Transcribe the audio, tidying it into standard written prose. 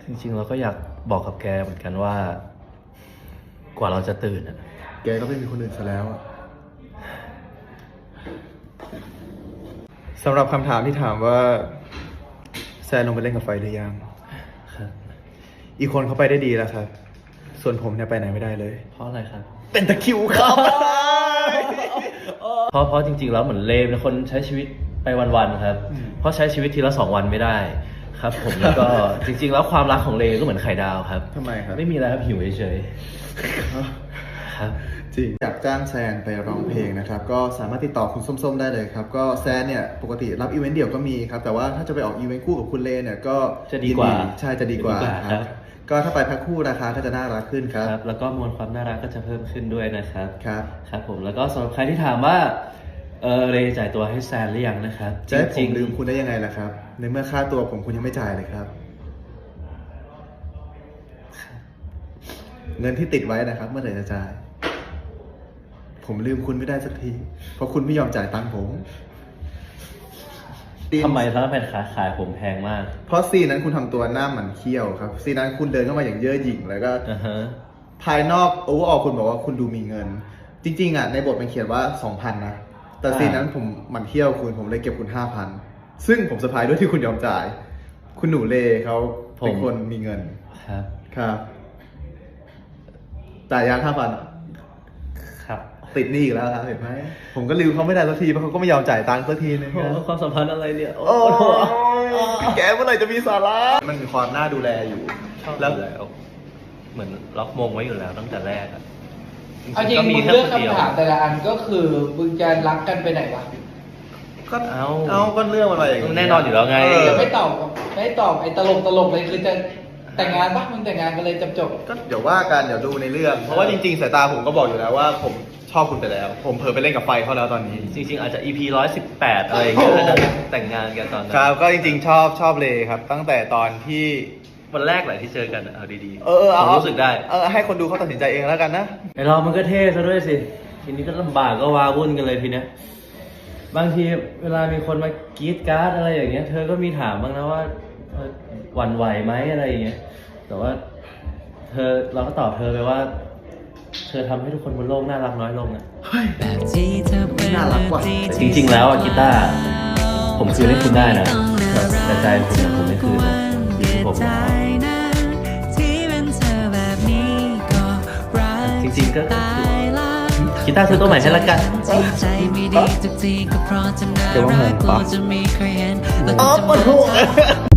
จริงๆเราก็อยากบอกกับแกเหมือนกันว่ากว่าเราจะตื่นอ่ะแกก็ไม่มีคนอื่นซะแล้วสำหรับคำถามที่ถามว่าแซนลงไปเล่นกับไฟหรือยังครับอีกคนเขาไปได้ดีแล้วครับส่วนผมเนี่ยไปไหนไม่ได้เลยเพราะอะไรครับเป็นตะคริวครับเพราะจริงๆแล้วเหมือนเลมเป็นคนใช้ชีวิตไปวันๆครับเพราะใช้ชีวิตทีละ2 วันไม่ได้ครับผมแล้วก็จริงๆแล้วความรักของเลก็เหมือนไข่ดาวครับทำไมครับไม่มีอะไรครับหิวเฉยๆครับจริงอยากจ้างแซนไปร้องเพลงนะครับก็สามารถติดต่อคุณส้มๆได้เลยครับก็แซนเนี่ยปกติรับอีเวนต์เดี่ยวก็มีครับแต่ว่าถ้าจะไปออกอีเวนต์คู่กับคุณเลเนี่ยก็จะดีกว่าใช่จะดีกว่าครับก็ถ้าไปแพ็คคู่ราคาก็จะน่ารักขึ้นครับแล้วก็มวลความน่ารักก็จะเพิ่มขึ้นด้วยนะครับครับครับผมแล้วก็สำหรับใครที่ถามว่าเรจ่ายตัวให้แซนหรือยังนะครับจะให้ผมลืมคุณได้ยังไงล่ะครับในเมื่อค่าตัวผมคุณยังไม่จ่ายเลยครับเงินที่ติดไว้นะครับเมื่อไหร่จะจ่ายผมลืมคุณไม่ได้สักทีเพราะคุณไม่ยอมจ่ายตังค์ผมทำไมถ้าเป็นขายผมแพงมากเพราะซีนนั้นคุณทำตัวหน้าหมันเขี้ยวครับซีนนั้นคุณเดินเข้ามาอย่างเย่อหยิ่งแล้วก็ภายนอกโอเวอร์ออลคุณบอกว่าคุณดูมีเงินจริงๆอ่ะในบทมันเขียนว่า 2,000 นะแต่ซีนนั้นผมหมันเขี้ยวคุณผมเลยเก็บคุณ 5,000 ซึ่งผมเซอร์ไพรส์ด้วยที่คุณยอมจ่ายคุณหนูเลเขาเป็นคนมีเงินครับจ่ายยาง 5,000 ครับติดหนี้อีกแล้วครับเห็นไหมผมก็ลืมเขาไม่ได้สักทีเพราะเขาก็ไม่ยอมจ่ายตังค์สักทีนึงความสัมพันธ์อะไรเนี่ยโอ้แกเมื่อไหร่จะมีสาระมันมีความน่าดูแลอยู่แล้วเหมือนล็อกมงไว้อยู่แล้วตั้งแต่แรกอ่ะเอาจริงมึงเลือกคำถามแต่ละอันก็คือมึงจะรักกันไปไหนวะก็ก็เรื่องอะไรอย่างเงี้ยแน่นอนอยู่แล้วไงไม่ตอบไอ้ตลกเลยคือจะแต่งงานปะมึงแต่งงานกันเลยจบก็เดี๋ยวว่ากันเดี๋ยวดูในเรื่องเพราะว่าจริงๆสายตาผมก็บอกอยู่แล้วว่าผมชอบคุณไปแล้วผมเผลอไปเล่นกับไฟเขาแล้วตอนนี้จริงๆอาจจะ EP 118อะไรอย่างเงี้ยแต่งงานกันตอนนั้นครับก็จริงๆชอบเลยครับตั้งแต่ตอนที่วันแรกแหละที่เจอกันเอาดีๆผมรู้สึกได้ให้คนดูเขาตัดสินใจเองแล้วกันนะไอเรามันก็เท่ซะด้วยสิทีนี้ก็ลำบากก็วาวุ่นกันเลยทีเนี้ยบางทีเวลามีคนมากรี๊ดการ์ดอะไรอย่างเงี้ยเธอก็มีถามบ้างนะว่าหวั่นไหวไหมอะไรอย่างเงี้ยแต่ว่าเราก็ตอบเธอไปว่าเธอทำให้ทุกคนบนโลกน่ารักน้อยลงอ่ะน่ารักกว่าแต่จริงๆแล้วกีตาร์ผมคืนให้คุณได้นะแต่ใจคุณผมไม่คืนนะที่ผมจริงๆก็กีตาร์ซื้อตัวใหม่ให้ละกันเดี๋ยวว่าไงปะปวดหัว